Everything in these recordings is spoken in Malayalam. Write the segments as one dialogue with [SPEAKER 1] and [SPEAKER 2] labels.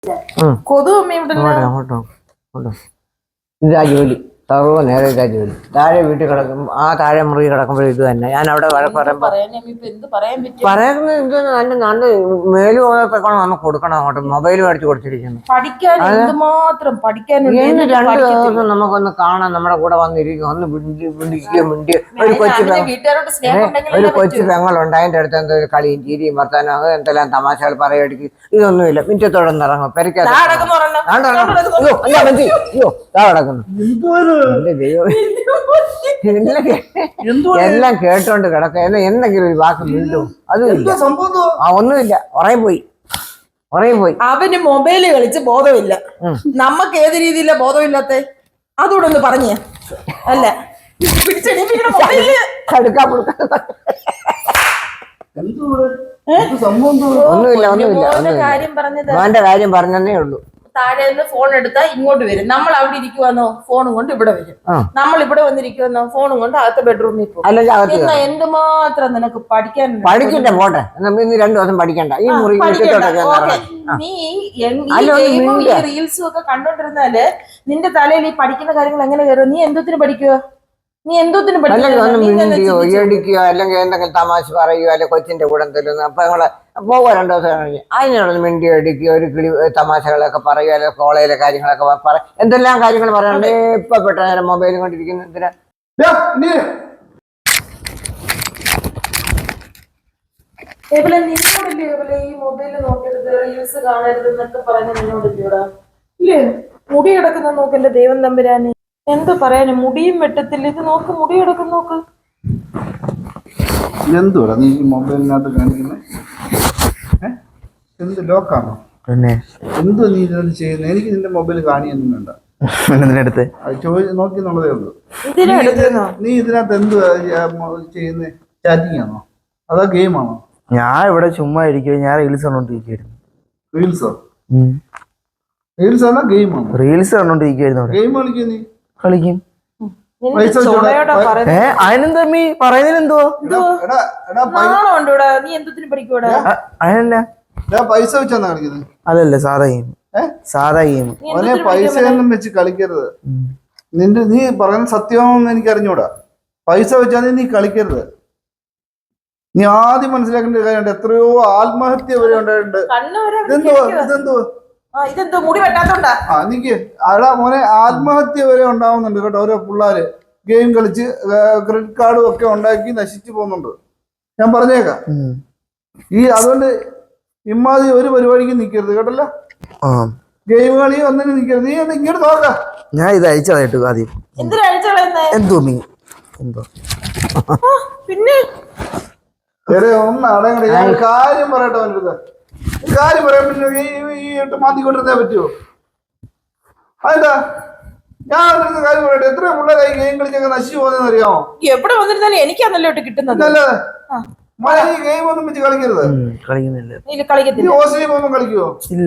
[SPEAKER 1] കൊതു അമ്മ
[SPEAKER 2] ഇതാ ജോലി സർവ്വ നേരെ ഇതാ ജോലി. താഴെ വീട്ടിൽ കിടക്കും, ആ താഴെ മുറി കിടക്കുമ്പോൾ ഇത് തന്നെ. ഞാൻ അവിടെ പറയുന്നത് ഇത് നല്ല നല്ല മേല് പോയപ്പോഴാണ് നമുക്ക് കൊടുക്കണം. അങ്ങോട്ട് മൊബൈൽ മേടിച്ച് കൊടുത്തിരിക്കുന്നു. ഇന്ന് 2 ദിവസം നമുക്കൊന്ന് കാണാൻ നമ്മുടെ കൂടെ വന്നിരിക്കും, ഒന്ന് മിണ്ടി ഒരു കൊച്ചു പെങ്ങളുണ്ട്, അതിന്റെ അടുത്ത് എന്തോ ഒരു കളിയും ചീരിയും വർത്താനം അത് എന്തെല്ലാം തമാശകൾ പറയടിക്ക്. ഇതൊന്നുമില്ല, മിറ്റത്തോടൊന്നും ഇറങ്ങും, പെരക്കാതെ കിടക്കുന്നു. എല്ലാം കേട്ടോണ്ട് കിടക്ക. എന്തെങ്കിലും ഒരു വാക്ക് വീണ്ടും അതുമില്ല, ഒന്നുമില്ല. ഉറങ്ങിപ്പോയി.
[SPEAKER 1] അവന് മൊബൈല് കളിച്ച് ബോധമില്ല. നമുക്ക് ഏത് രീതിയിലാ ബോധമില്ലാത്ത അതുകൂടെ ഒന്ന് പറഞ്ഞേ. അല്ല
[SPEAKER 2] ഒന്നുമില്ല, കാര്യം പറഞ്ഞതേ ഉള്ളൂ.
[SPEAKER 1] താഴെ നിന്ന് ഫോൺ എടുത്താൽ ഇങ്ങോട്ട് വരും. നമ്മൾ അവിടെ ഇരിക്കുവാന്നോ ഫോണും കൊണ്ട് ഇവിടെ വരും. നമ്മൾ ഇവിടെ വന്നിരിക്കുവാന്നോ ഫോണും കൊണ്ട് അകത്ത് ബെഡ്റൂമിൽ പോകും. എന്നാ എന്തുമാത്രം നിനക്ക്
[SPEAKER 2] പഠിക്കണ്ടേ? പോട്ടെ, 2 ദിവസം പഠിക്കണ്ട. ഈ മുറി
[SPEAKER 1] നീ റീൽസും ഒക്കെ കണ്ടോണ്ടിരുന്നാല് നിന്റെ തലയിൽ ഈ പഠിക്കുന്ന കാര്യങ്ങൾ എങ്ങനെ കയറും? നീ എന്തോത്തിന് പഠിക്കുക? നീ എന്തോത്തിന്
[SPEAKER 2] പഠിക്കുകയോ അല്ലെങ്കിൽ എന്തെങ്കിലും തമാശ പറയുകയോ അല്ലെങ്കിൽ കൊച്ചിന്റെ കൂടെ എന്തെങ്കിലും അപ്പൊ ഞങ്ങളെ പോവുക 2 ദിവസം കഴിഞ്ഞ് അതിനോട് മിണ്ടി അടിക്കുകയോ ഒരു കിളി തമാശകളൊക്കെ പറയുക, അല്ലെങ്കിൽ കോളേജിലെ കാര്യങ്ങളൊക്കെ പറയും. എന്തെല്ലാം കാര്യങ്ങൾ പറയാണ്ട് ഇപ്പൊ പെട്ട നേരം മൊബൈലും കൊണ്ടിരിക്കുന്ന എന്തിനാ?
[SPEAKER 1] ഈ മൊബൈല് നോക്കരുത്, റീൽസ് കാണരുത് എന്നൊക്കെ പറയുന്നത് നിന്നോടില്ലൂടാ? ഇല്ലേ? മുടി കിടക്കുന്ന നോക്കല്ലേ ദൈവം തമ്പുരാന്. എന്ത് പറയാന്, മുടിയും വെട്ടത്തില്ല. ഇത് നോക്ക്, മുടി കിടക്കും നോക്ക്.
[SPEAKER 3] എന്തുവാ നീ മൊബൈലിനകത്ത് കാണിക്കുന്നത്? എന്ത് ലോക്കാണോ? പിന്നെ എന്തോ നീ ഇതിനകത്ത് ചെയ്യുന്നത്? എനിക്ക് നിന്റെ മൊബൈൽ കാണിയൊന്നും വേണ്ട. നോക്കി എന്നുള്ളതേ ഉള്ളൂ. നീ ഇതിനകത്ത് എന്തുവാ ചെയ്യുന്നത്? ചാറ്റിംഗ് ആണോ അതോ ഗെയിമാണോ?
[SPEAKER 4] ഞാൻ ഇവിടെ ചുമ്മാ ഇരിക്കുക. ഞാൻ റീൽസ് കണ്ടോണ്ടിരിക്കുന്നു.
[SPEAKER 3] റീൽസോ? റീൽസ് ആണോ ഗെയിമാണോ?
[SPEAKER 4] റീൽസ് കണ്ടോണ്ടിരിക്കുന്നു.
[SPEAKER 3] ഗെയിം കളിക്കും? നീ
[SPEAKER 4] കളിക്കും. അതിനെന്താ മീ പറയുന്നതിനെന്തോ?
[SPEAKER 3] പൈസ വെച്ചാണ് കളിക്കുന്നത്?
[SPEAKER 4] അതല്ല, സാധാ ഗെയിം. സാധാ ഗെയിം.
[SPEAKER 3] പൈസ ഒന്നും വെച്ച് കളിക്കരുത്. നീ പറയുന്ന സത്യമാണെന്ന് എനിക്ക് അറിഞ്ഞൂടാ. പൈസ വെച്ചാൽ നീ കളിക്കരുത്. നീ ആദ്യം മനസ്സിലാക്കേണ്ട കാര്യമുണ്ട്. എത്രയോ ആത്മഹത്യ വരെ ഉണ്ടായിട്ടുണ്ട്. എനിക്ക് മോനെ ആത്മഹത്യ വരെ ഉണ്ടാവുന്നുണ്ട് കേട്ടോ. ഓരോ പിള്ളേര് ഗെയിം കളിച്ച് ക്രെഡിറ്റ് കാർഡും ഒക്കെ ഉണ്ടാക്കി നശിച്ചു പോകുന്നുണ്ട്. ഞാൻ പറഞ്ഞേക്കാം. അതുകൊണ്ട് ഇമ്മാതി ഒരു പരിപാടിക്ക് നിക്കരുത് കേട്ടല്ലോ. ഗെയിം കളി ഒന്നിനും നിക്കരുത്. നീ ഇങ്ങോട്ട് നോക്കാം.
[SPEAKER 4] ഞാൻ ഇത് അയച്ചതായിട്ട് ആദ്യം എന്തോ മീ എന്തോ
[SPEAKER 1] പിന്നെ
[SPEAKER 3] ഒന്ന് അടങ്ങട. ഞാൻ കാര്യം പറയട്ടെ അവൻ്റെ കാര്യം പറയാൻ പറ്റില്ല. ഈ മാറ്റിക്കൊണ്ടിരുന്നേ പറ്റുമോ? അതെന്താ ഞാൻ കാര്യം പറയട്ടെ. എത്ര പിള്ളേരായി ഗെയിം കളിച്ചൊക്കെ നശിച്ചു പോകുന്നതെന്ന് അറിയാമോ?
[SPEAKER 1] എവിടെ വന്നിരുന്നാലും എനിക്കാണല്ലോ കിട്ടുന്നത്.
[SPEAKER 3] ഈ ഗെയിം ഒന്നും വെച്ച് കളിക്കരുത്. ഹോസ്റ്റലിൽ പോകുമ്പോ കളിക്കുവോ?
[SPEAKER 4] ഇല്ല.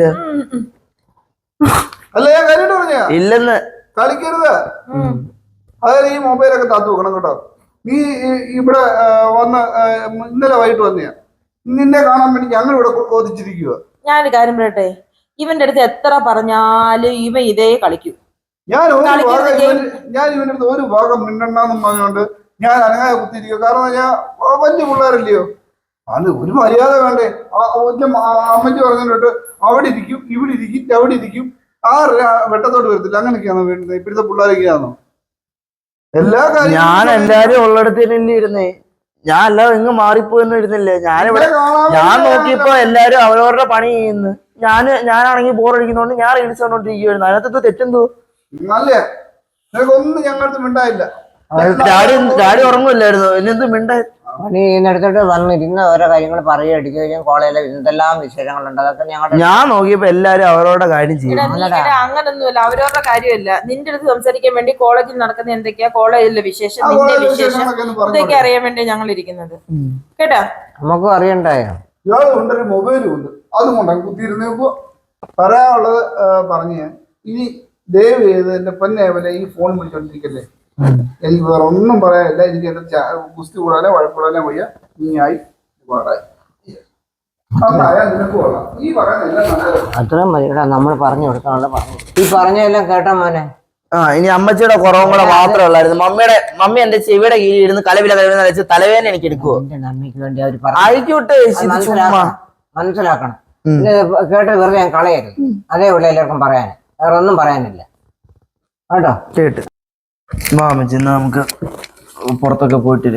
[SPEAKER 3] അല്ല ഞാൻ കാര്യമായിട്ട് പറഞ്ഞ
[SPEAKER 4] ഇല്ലെന്ന്
[SPEAKER 3] കളിക്കരുത്. അതായത് ഈ മൊബൈലൊക്കെ താത്തു വെക്കണം കേട്ടോ. നീ ഇവിടെ വന്ന് ഇന്നലെ വൈകിട്ട് വന്നെയാ. നിന്നെ കാണാൻ വേണ്ടി ഞങ്ങൾ ഇവിടെ കൊതിച്ചിരിക്കുക.
[SPEAKER 1] ഞാനൊരു കാര്യം പറയട്ടെ, ഇവന്റെ അടുത്ത് എത്ര പറഞ്ഞാലും ഇവൻ ഇതേ കളിക്കൂ.
[SPEAKER 3] ഞാൻ ഇവന്റെ അടുത്ത് ഒരു ഭാഗം മിണ്ടണ്ടെന്നും പറഞ്ഞുകൊണ്ട് ഞാൻ അനങ്ങാതെ കുത്തിയിരിക്കുക. കാരണം ഞാൻ വലിയ പിള്ളേരല്ലയോ, അത് ഒരു മര്യാദ വേണ്ടേ? അമ്മയ്ക്ക് പറഞ്ഞിട്ട് അവിടെ ഇരിക്കും, ഇവിടെ ഇരിക്കും, അവിടെ ഇരിക്കും, വെട്ടത്തോട്ട് വരത്തില്ല. അങ്ങനെയൊക്കെയാണോ വേണ്ടത്? ഇപ്പോഴത്തെ പിള്ളേരൊക്കെയാണോ? എല്ലാ കാര്യം
[SPEAKER 4] ഞാൻ എല്ലാരും ഉള്ളിടത്തന്നെ ഇരുന്നേ. ഞാൻ അല്ലാതെ ഇങ്ങ് മാറിപ്പോയെന്ന് ഇരുന്നില്ലേ. ഞാൻ നോക്കിയപ്പോ എല്ലാരും അവരവരുടെ പണി ചെയ്യുന്നു. ഞാനാണെങ്കിൽ ബോറടിക്കുന്നോണ്ട് ഞാൻ റീൽസ് കണ്ടോണ്ടിരിക്കുവായിരുന്നു. അതിനകത്ത് തെറ്റെന്തോ?
[SPEAKER 3] നല്ല ഒന്നും ഞങ്ങൾക്ക് മിണ്ടായില്ല.
[SPEAKER 4] ഡാഡി ഉറങ്ങുമില്ലായിരുന്നു. എന്നെന്ത് മിണ്ടായി?
[SPEAKER 2] പണി ചെയ്യുന്നിടത്തോട്ട് വന്നിരുന്ന ഓരോ കാര്യങ്ങൾ പറയുകയും കോളേജിലെ എന്തെല്ലാം വിശേഷങ്ങളുണ്ട് അതൊക്കെ
[SPEAKER 4] ഞാൻ നോക്കിയപ്പോ എല്ലാരും അവരവരുടെ കാര്യം ചെയ്യും.
[SPEAKER 1] അങ്ങനൊന്നുമില്ല, അവരവരുടെ കാര്യമില്ല. നിന്റെ അടുത്ത് സംസാരിക്കാൻ വേണ്ടി കോളേജിൽ നടക്കുന്ന എന്തൊക്കെയാ, കോളേജിലെ വിശേഷം, നിന്റെ വിശേഷം ഇതൊക്കെ അറിയാൻ വേണ്ടി ഞങ്ങൾ ഇരിക്കുന്നത് കേട്ടാ.
[SPEAKER 2] നമുക്കും അറിയണ്ടായോ?
[SPEAKER 3] ഇയാളുണ്ടൊരു മൊബൈലും ഉണ്ട്, അതും കൊണ്ടാണ് കുത്തിയിരുന്നപ്പോ പറയാനുള്ളത് പറഞ്ഞു. ഇനി ദയവ് ചെയ്ത് എന്റെ പൊന്നേവലെ ഈ ഫോൺ വിളിച്ചോണ്ടിരിക്കല്ലേ. എനിക്ക് വേറെ ഒന്നും പറയാനില്ല. എനിക്ക് എന്റെ ഗുസ്തി കൂടാനോ വഴക്കൂടാനോ വയ്യ. നീ ആയി പാടായി. നന്നായാൽ നിനക്ക് കൊള്ളാം. ഈ പറയുന്ന എല്ലാം നല്ലത്.
[SPEAKER 2] അത്രയും മതിടാ, നമ്മൾ പറഞ്ഞു കൊടുക്കാനുള്ള പറഞ്ഞു. ഈ പറഞ്ഞെല്ലാം കേട്ടോ മോനെ.
[SPEAKER 4] ആ ഇനി അമ്മച്ചിയുടെ കുറവും കൂടെ മാത്രമേ ഉള്ളായിരുന്നു. മമ്മി എന്റെ ചെവിയുടെ കീഴിൽ ഇരുന്ന് കലവില വെച്ച് തലവേദന എനിക്ക് എടുക്കുവോ?
[SPEAKER 2] എന്റെ അമ്മയ്ക്ക് വേണ്ടി അവർ
[SPEAKER 4] ആയിക്കോട്ടെ,
[SPEAKER 2] മനസ്സിലാക്കണം. ഇത് കേട്ട് വെറുതെ ഞാൻ കളയരുത്. അതേ ഉള്ളു എല്ലാവർക്കും പറയാൻ, വേറെ ഒന്നും പറയാനില്ല കേട്ടോ.
[SPEAKER 4] കേട്ട് വാ അമ്മച്ചി, എന്നാ നമുക്ക് പുറത്തൊക്കെ പോയിട്ടില്ല.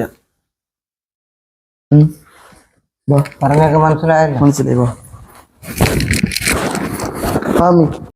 [SPEAKER 2] പറഞ്ഞൊക്കെ മനസ്സിലായല്ലോ.
[SPEAKER 4] മനസ്സിലായി വാ.